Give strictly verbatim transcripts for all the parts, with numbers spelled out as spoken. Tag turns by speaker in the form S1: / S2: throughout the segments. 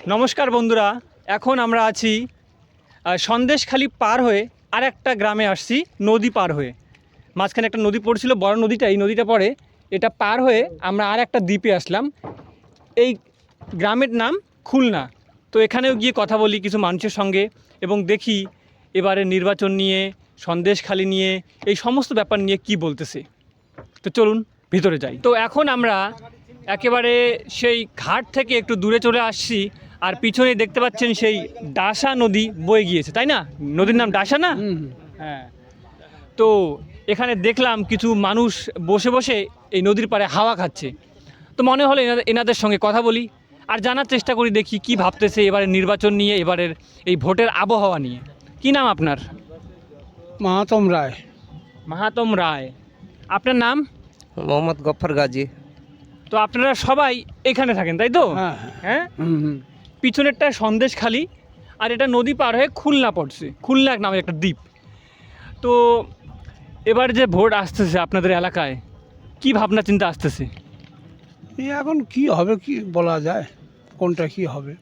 S1: নমস্কার বন্ধুরা, এখন আমরা আছি সন্দেশখালি পার হয়ে আর একটা গ্রামে আসছি, নদী পার হয়ে। মাঝখানে একটা নদী পড়ছিল, বড় নদীটা, এই নদীটা পড়ে, এটা পার হয়ে আমরা আর একটা দ্বীপে আসলাম। এই গ্রামের নাম খুলনা। তো এখানেও গিয়ে কথা বলি কিছু মানুষের সঙ্গে এবং দেখি এবারে নির্বাচন নিয়ে, সন্দেশখালি নিয়ে, এই সমস্ত ব্যাপার নিয়ে কি বলতেছে। তো চলুন ভিতরে যাই। তো এখন আমরা একেবারে সেই ঘাট থেকে একটু দূরে চলে আসছি, আর পিছনে দেখতে পাচ্ছেন সেই ডাসা নদী বয়ে গিয়েছে, তাই না? নদীর নাম ডাসা না? হ্যাঁ। তো এখানে দেখলাম কিছু মানুষ বসে বসে এই নদীর পাড়ে হাওয়া খাচ্ছে। তো মনে হলো এনাদের এনাদের সঙ্গে কথা বলি আর জানার চেষ্টা করি, দেখি কি ভাবতেছে এবারের নির্বাচন নিয়ে, এবারের এই ভোটের আবহাওয়া নিয়ে। কি নাম আপনার?
S2: মাহাতম রায়।
S1: মাহাতম রায়। আপনার নাম?
S3: মোহাম্মদ গফফর গাজী।
S1: তো আপনারা সবাই এখানে থাকেন, তাই তো?
S2: হ্যাঁ
S1: হ্যাঁ।
S2: হুম হুম।
S1: পিছনেরটা সন্দেশখালি, আর এটা নদী পার হয়ে খুলনা পড়ছে, খুলনা নামে একটা দ্বীপ। তো এবার যে ভোট আসতেছে আপনাদের এলাকায়, কি ভাবনা চিন্তা আসতেছে?
S2: এই এখন কি হবে কি বলা যায়, কোনটা কি হবে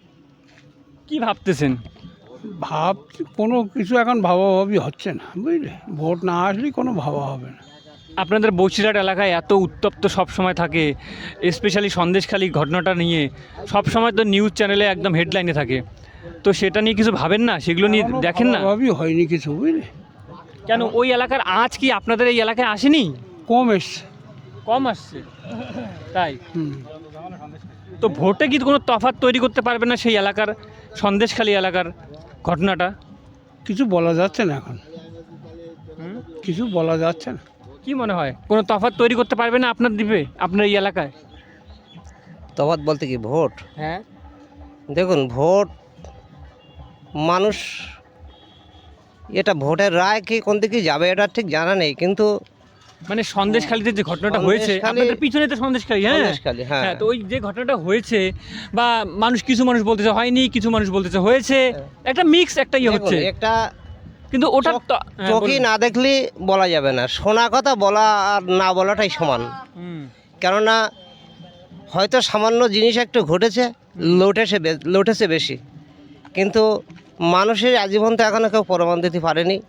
S1: কি ভাবতেছেন?
S2: ভাব কোনো কিছু এখন ভাবাভাবি হচ্ছে না, বুঝলে। ভোট না আসলেই কোনো ভাবা হবে না।
S1: আপনাদের বসিরহাট এলাকায় এত উত্তপ্ত সব সময় থাকে, স্পেশালি সন্দেশখালি ঘটনাটা নিয়ে সব সময় তো নিউজ চ্যানেলে একদম হেডলাইনে থাকে। তো সেটা নিয়ে কিছু ভাবেন না? সেগুলো নিয়ে দেখেন না?
S2: ভাবাভাবি হয়নি কিছু, বুঝলে।
S1: কেন, ওই এলাকার আজ কি আপনাদের এই এলাকায় আসেনি?
S2: কম এসছে।
S1: কম আসছে, তাই?
S2: হুম।
S1: তো ভোটে কি কোনো তফাৎ তৈরি করতে পারবে না সেই এলাকার, সন্দেশখালি এলাকার ঘটনাটা?
S2: কিছু বলা যাচ্ছে না এখন, কিছু বলা যাচ্ছে না।
S1: কি মনে হয় কোনো তফাৎ তৈরি করতে পারবে না আপনার দ্বীপে, আপনার এই এলাকায়?
S3: তফাৎ বলতে কি ভোট?
S1: হ্যাঁ।
S3: দেখুন, ভোট মানুষ, এটা ভোটের রায় কি কোন দিকে যাবে এটা ঠিক জানা নেই, কিন্তু
S1: মানে সন্দেশখালিতে যে ঘটনাটা হয়েছে,
S3: সন্দেশখালি-
S1: আপনাদের পিছনে তো সন্দেশখালি, হ্যাঁ
S3: সন্দেশখালি, হ্যাঁ।
S1: হ্যাঁ। তো ওই যে ঘটনাটা হয়েছে, বা মানুষ, কিছু মানুষ বলতেছে হয়নি, কিছু মানুষ বলতেছে হয়েছে, একটা মিক্স একটা ইয়ে
S3: দেখুন,
S1: হচ্ছে,
S3: একটা
S1: কিন্তু ওটা
S3: চোখ-
S1: তো- হ্যাঁ,
S3: চোখই
S1: বলুন।
S3: না দেখলে বলা যাবে না। শোনা কথা বলা আর না বলাটাই সমান।
S1: হুম,
S3: কেননা হয়তো সামান্য জিনিস একটু ঘটেছে, লোটেছে বে- লোটেছে বেশি, কিন্তু মানুষের আজীবন তো এখনও কেউ প্রমাণ দিতে পারেনি।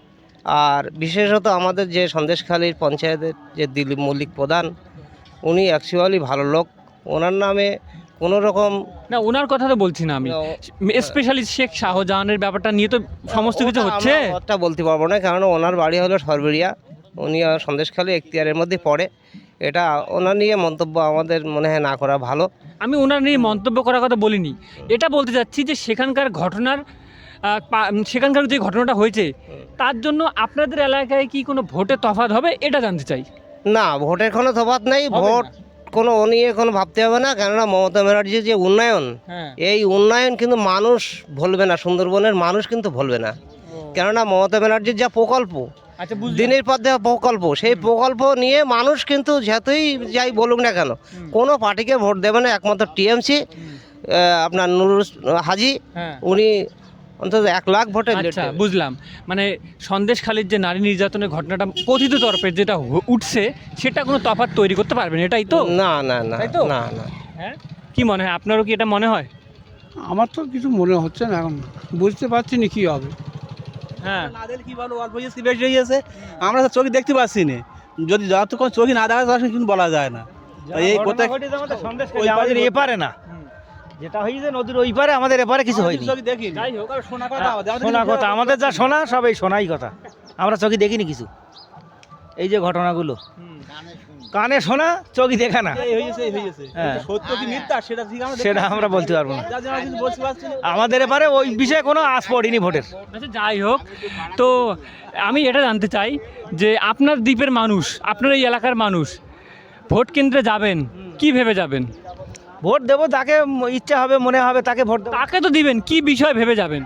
S3: আর বিশেষত আমাদের যে সন্দেশখালীর পঞ্চায়েতের যে দিলীপ মল্লিক প্রধান, উনি অ্যাকচুয়ালি ভালো লোক। ওনার নামে কোনো রকম
S1: না ওনার কথা তো বলছি না আমি,
S3: না,
S1: স্পেশালি শেখ শাহজাহানের ব্যাপারটা নিয়ে তো সমস্ত কিছু
S3: ওটা
S1: হচ্ছে।
S3: আমরা ওটা বলতে পারবো না, কারণ ওনার বাড়ি হলো সরবেরিয়া, উনি সন্দেশখালী এখতিয়ারের মধ্যে পড়ে। এটা ওনার নিয়ে মন্তব্য আমাদের মনে হয় না করা ভালো।
S1: আমি ওনার নিয়ে মন্তব্য করার কথা বলিনি, এটা বলতে চাচ্ছি যে সেখানকার ঘটনার আহ, পা- সেখানকার যে ঘটনাটা হয়েছে তার জন্য আপনাদের এলাকায় কি কোনো ভোটে তফাৎ হবে, এটা জানতে চাই।
S3: না, ভোটের কোনো তফাৎ নেই।
S1: হবে
S3: ভোট
S1: না।
S3: কোনো ও নিয়ে কোনো ভাবতে হবে না, কেননা মমতা ব্যানার্জির যে উন্নয়ন,
S1: হ্যাঁ।
S3: এই উন্নয়ন কিন্তু মানুষ ভুলবে না, সুন্দরবনের মানুষ কিন্তু ভুলবে না। কেননা মমতা ব্যানার্জির যা প্রকল্প,
S1: আচ্ছা, বুঝলাম।
S3: দিনের পর দিন প্রকল্প, সেই প্রকল্প নিয়ে মানুষ কিন্তু যতই যাই বলুক না কেন, কোনো পার্টিকে ভোট দেবে না। একমাত্র টিএমসি, আপনার নুরুল হাজি,
S1: হ্যাঁ।
S3: উনি অন্তত এক লাখ ভোটে lead
S1: আচ্ছা,
S3: দেবে।
S1: বুঝলাম। মানে সন্দেশখালির যে নারী নির্যাতনের ঘটনাটা কথিত তরফের যেটা হ- উঠছে, সেটা কোনো তফাৎ তৈরি করতে পারবেন, এটাই তো?
S3: না না না
S1: তাই তো?
S3: না না
S1: হ্যাঁ। কি মনে হয়, আপনারও কি এটা মনে হয়?
S2: আমার তো কিছু মনে হচ্ছে না এখন, বুঝতে পারছি না কি হবে।
S1: হ্যাঁ।
S4: না দেখলে কি ভালো, অল্প কিছু বেশি হয়ে গেছে, আমরা তো চোখে দেখতে পাচ্ছি না। যদি যতক্ষণ চোখে না দেখা যায় কিন্তু বলা যায় না। তাই এই কোথায় ওই
S5: আমাদের
S4: পারে-
S5: এপারে না, যেটা হয়েছে নদীর ওই পারে, আমাদের এপারে কিছু হয়নি।
S4: চোখে দেখিনি।
S1: যাই হোক,
S4: আর শোনা কথা আমাদের, আমাদের
S5: শোনা
S4: কিছু
S5: কথা, আমাদের যা শোনা সব এই শোনাই কথা, আমরা চোখে দেখিনি কিছু। এই যে ঘটনাগুলো কানে শোনা, চোখে দেখা না,
S4: এই হয়েছে, এই হয়েছে।
S5: হ্যাঁ।
S4: সত্য কি মিথ্যা সেটা ঠিক আমরা
S5: সেটা আমরা বলতে পারবো না।
S4: যার জন্য আমরা কিছু বলতে পারছি না।
S5: আমাদের এপারে ওই বিষয়ে কোনো আশ পড়েনি ভোটের।
S1: আচ্ছা, যাই হোক, তো আমি এটা জানতে চাই যে আপনার দ্বীপের মানুষ, আপনার এই এলাকার মানুষ ভোট কেন্দ্রে যাবেন, কি ভেবে যাবেন?
S5: ভোট দেবো যাকে ম- ইচ্ছা হবে, মনে হবে তাকে ভোট দেবো।
S1: তাকে তো দিবেন, কি বিষয় ভেবে যাবেন?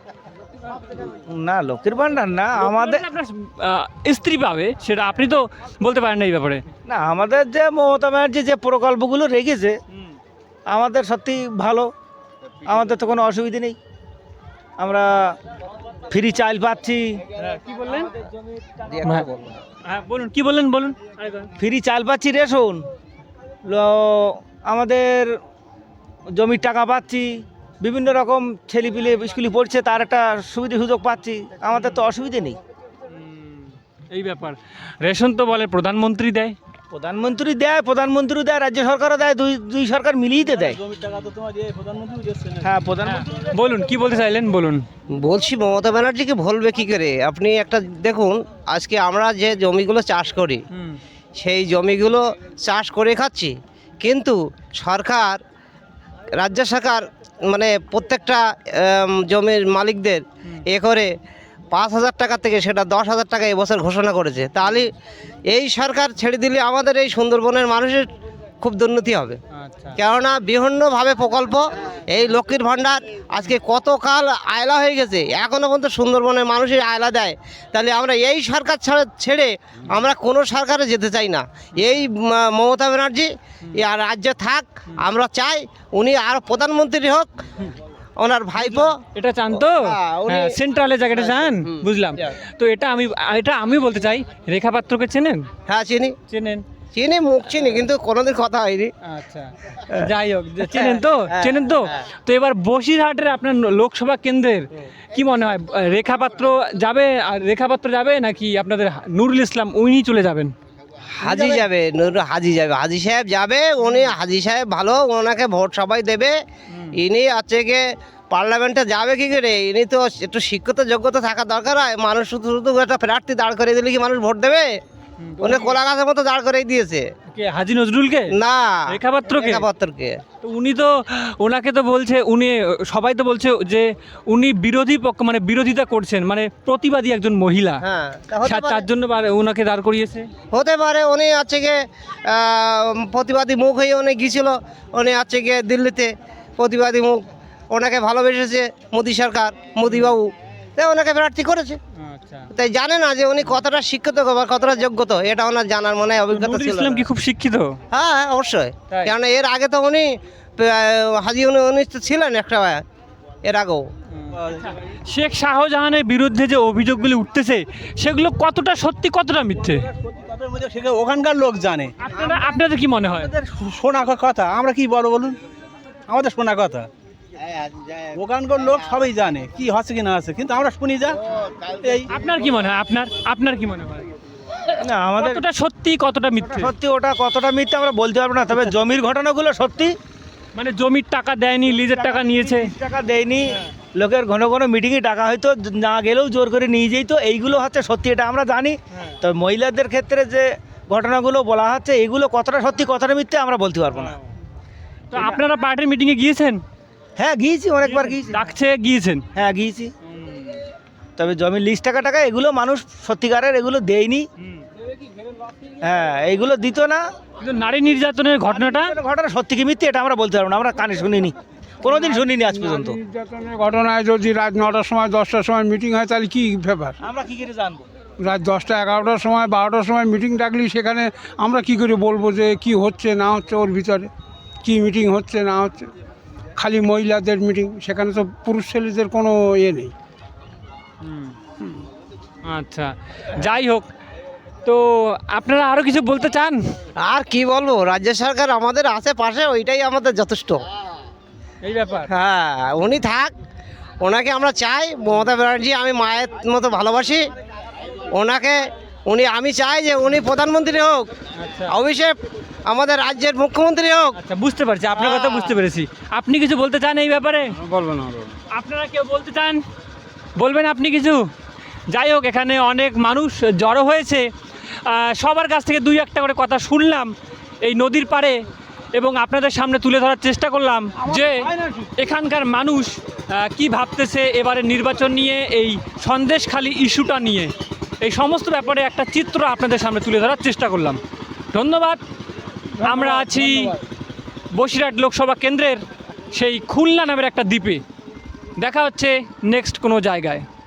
S5: না, লক্ষ্মীর ভান্ডার না, আমাদের
S1: আপনার আহ, স্ত্রী পাবে, সেটা আপনি তো বলতে পারেন না এই ব্যাপারে।
S5: না, আমাদের যে মমতা ব্যানার্জি যে প্রকল্পগুলো রেখেছে, আমাদের সত্যি ভালো, আমাদের তো কোনো অসুবিধা নেই। আমরা ফ্রি চাল পাচ্ছি,
S1: কি বললেন?
S3: দিয়ে একটা বলবো।
S1: হ্যাঁ, বলুন, কি বললেন, বলুন।
S5: ফ্রি চাল পাচ্ছি, রেশন ল- আমাদের জমির টাকা পাচ্ছি, বিভিন্ন রকম ছেলেপিলে স্কুলে পড়ছে, তার একটা সুবিধা সুযোগ পাচ্ছি, আমাদের তো অসুবিধে নেই।
S1: এই ব্যাপার, রেশন তো বলে প্রধানমন্ত্রী দেয়।
S5: প্রধানমন্ত্রী দেয়, প্রধানমন্ত্রী দেয়, রাজ্য সরকারও দেয়, দুই দুই সরকার মিলিয়ে তো দেয়।
S4: জমির টাকা তো তোমার এই প্রধানমন্ত্রী দিচ্ছে না।
S5: হ্যাঁ, প্রধানমন্ত্রী
S1: বলুন কি বলতে চাইলেন, বলুন।
S3: বলছি মমতা ব্যানার্জিকে বলবে কি করে? আপনি একটা দেখুন, আজকে আমরা যে জমিগুলো চাষ করি সেই জমিগুলো চাষ করে খাচ্ছি, কিন্তু সরকার, রাজ্য সরকার মানে প্রত্যেকটা আম, জমির মালিকদের এ করে পাঁচ হাজার টাকা থেকে সেটা দশ হাজার টাকা এবছর ঘোষণা করেছে। তাহলে এই সরকার ছেড়ে দিলে আমাদের এই সুন্দরবনের মানুষের খুব দুর্নীতি হবে।
S1: আচ্ছা,
S3: কেননা বিভিন্নভাবে প্রকল্প, এই লক্ষ্মীর ভাণ্ডার আজকে কতকাল আয়লা হয়ে গেছে, এখনও পর্যন্ত সুন্দরবনের মানুষের আয়লা দেয়। তাহলে আমরা এই সরকার ছাড়া ছেড়ে আমরা কোনো সরকারে যেতে চাই না। এই ম- মমতা ব্যানার্জি আর রাজ্যে থাক, আমরা চাই উনি আর প্রধানমন্ত্রী হোক, ওনার ভাইপো।
S1: এটা চান তো?
S3: হ্যাঁ, উনি-
S1: হ্যাঁ, সেন্ট্রালে জায়গাটা চান,
S3: হুম,
S1: বুঝলাম।
S3: হ্যাঁ।
S1: তো এটা আমি এটা আমি বলতে চাই, রেখা পাত্রকে চেনেন?
S3: হ্যাঁ চিনি,
S1: চেনেন?
S3: চিনি, মুখ চিনি, কিন্তু কোনোদিন কথা হয়নি।
S1: আচ্ছা, যাই হোক, যে চেনেন তো,
S3: হ্যাঁ,
S1: চেনেন তো।
S3: হ্যাঁ।
S1: তো এবার বসিরহাটের আপনার লোকসভা কেন্দ্রের কি মনে হয়, রেখা পাত্র যাবে, আর রেখা পাত্র যাবে নাকি আপনাদের নুরুল ইসলাম উনি চলে যাবেন?
S3: হাজি যাবে, নুর হাজি যাবে, হাজি সাহেব যাবে। উনি হাজি সাহেব ভালো, ওনাকে ভোট সবাই দেবে। ইনি আছে গিয়ে পার্লামেন্টে যাবে কি করে? ইনি তো একটু শিক্ষিত যোগ্যতা থাকা দরকার হয়। মানুষ শুধু শুধু একটা প্রার্থী দাঁড় করে দিলে কি মানুষ ভোট দেবে? উনি কোলা গাছের মতো দাঁড় করে দিয়েছে।
S1: কে, হাজি নজরুলকে?
S3: না,
S1: রেখা পাত্রকে?
S3: রেখা পাত্রকে।
S1: তো উনি তো, ওনাকে তো বলছে, উনি সবাই তো বলছে যে উনি বিরোধী পক্ষ, মানে বিরোধিতা করছেন, মানে প্রতিবাদী একজন মহিলা,
S3: হ্যাঁ, তা হতে
S1: তার-
S3: পারে।
S1: তার জন্য বার- ওনাকে দাঁড় করিয়েছে।
S3: হতে পারে উনি আছে গিয়ে আহ, প্রতিবাদী মুখ হয়ে উনি গিয়েছিল। উনি আছে গিয়ে দিল্লিতে প্রতিবাদী মুখ, ওনাকে ভালোবেসেছে মোদি সরকার, মোদিবাবু, তাই ওনাকে প্রার্থী করেছে।
S1: আচ্ছা,
S3: তাই জানে না যে উনি কতটা শিক্ষিত বা কতটা যোগ্যত, এটা ওনার জানার মনে হয় অভিজ্ঞতা
S1: নুরুল
S3: ছিল
S1: ইসলাম
S3: না।
S1: কি খুব শিক্ষিত?
S3: হ্যাঁ অবশ্যই,
S1: তাই?
S3: কেননা এর আগে তো উনি আহ, হাজি উনি উনি তো ছিলেন একটা, এর আগেও।
S1: শেখ শাহজাহানের বিরুদ্ধে যে অভিযোগগুলি উঠতেছে সেগুলো কতটা সত্যি, কতটা মিথ্যে
S4: তাদের মধ্যে সেখানে ওখানকার লোক জানে।
S1: আপনারা, আপনাদের কি মনে হয়?
S4: আমাদের শোনা কথা, আমরা কি বলবো বলুন, আমাদের শোনা কথা। ওখানকার লোক সবাই জানে কি হচ্ছে কি না আছে, কিন্তু আমরা শুনি যা। এই
S1: আপনার কি মনে হয়, আপনার আপনার কি মনে হয়,
S5: না, আমাদের
S1: কতটা সত্যি, কতটা মিথ্যে?
S5: সত্যি ওটা কতটা মিথ্যে আমরা বলতে পারবো না, তবে জমির ঘটনাগুলো সত্যি।
S1: মানে জমির টাকা দেয়নি, লিজের টাকা নিয়েছে।
S5: টাকা দেয়নি, লোকের ঘন ঘন মিটিংয়ে টাকা হয়তো না গেলেও জোর করে নিয়ে যেত, এইগুলো হচ্ছে সত্যি, এটা আমরা জানি। তবে মহিলাদের ক্ষেত্রে যে ঘটনাগুলো বলা হচ্ছে এগুলো কতটা সত্যি কতটা মিথ্যে আমরা বলতে পারবো না।
S1: তো আপনারা পার্টির মিটিংয়ে গিয়েছেন?
S5: হ্যাঁ গিয়েছি, অনেকবার গিয়েছি।
S1: ডাকছে, গিয়েছেন?
S5: হ্যাঁ গিয়েছি, তবে জমির লিস্ট টাকা টাকা এগুলো মানুষ সত্যিকারের এগুলো দেয়নি। হ্যাঁ, এইগুলো দিত না।
S1: কিন্তু নারী নির্যাতনের ঘটনাটা,
S5: ঘটনা সত্যি কি মিথ্যে এটা আমরা বলতে পারবো না, আমরা কানে শুনিনি, কোনোদিন শুনিনি আজ পর্যন্ত।
S2: নির্যাতনের ঘটনায় যদি রাত নটার সময় দশটার সময় মিটিং হয় তাহলে কি ব্যাপার?
S5: আমরা কি করে জানবো?
S2: রাত দশটা এগারোটার সময় বারোটার সময় মিটিং ডাকলি সেখানে আমরা কি করে বলবো যে কি হচ্ছে না হচ্ছে ওর ভিতরে, কি মিটিং হচ্ছে না হচ্ছে? খালি মহিলাদের মিটিং, সেখানে তো পুরুষ ছেলেদের কোনো ইয়ে নেই।
S1: আচ্ছা, যাই হোক, তো আপনারা আরো কিছু বলতে চান?
S3: আর কি বলবো, রাজ্য সরকার আমাদের আশেপাশে, ওইটাই আমাদের যথেষ্ট।
S1: এই ব্যাপার,
S3: হ্যাঁ, উনি থাক, ওনাকে আমরা চাই। মমতা ব্যানার্জি আমি মায়ের মতো ভালোবাসি ওনাকে। উনি, আমি চাই যে উনি প্রধানমন্ত্রী হোক,
S1: আচ্ছা
S3: অভিষেক আমাদের রাজ্যের মুখ্যমন্ত্রী হোক।
S1: আচ্ছা, বুঝতে পারছি, আপনার কথা বুঝতে পেরেছি। আপনি কিছু বলতে চান এই ব্যাপারে?
S2: বলবো না,
S1: আপনারা কেউ বলতে চান, বলবেন আপনি কিছু? যাই হোক, এখানে অনেক মানুষ জড়ো হয়েছে, আহ, সবার কাছ থেকে দুই একটা করে কথা শুনলাম এই নদীর পাড়ে, এবং আপনাদের সামনে তুলে ধরার চেষ্টা করলাম যে এখানকার মানুষ আহ, কি ভাবতেছে এবারে নির্বাচন নিয়ে, এই সন্দেশখালী ইস্যুটা নিয়ে, এই সমস্ত ব্যাপারে একটা চিত্র আপনাদের সামনে তুলে ধরার চেষ্টা করলাম। ধন্যবাদ। আমরা আছি বসিরহাট লোকসভা কেন্দ্রের সেই খুলনা নামের একটা দ্বীপে। দেখা হচ্ছে নেক্সট কোনো জায়গায়।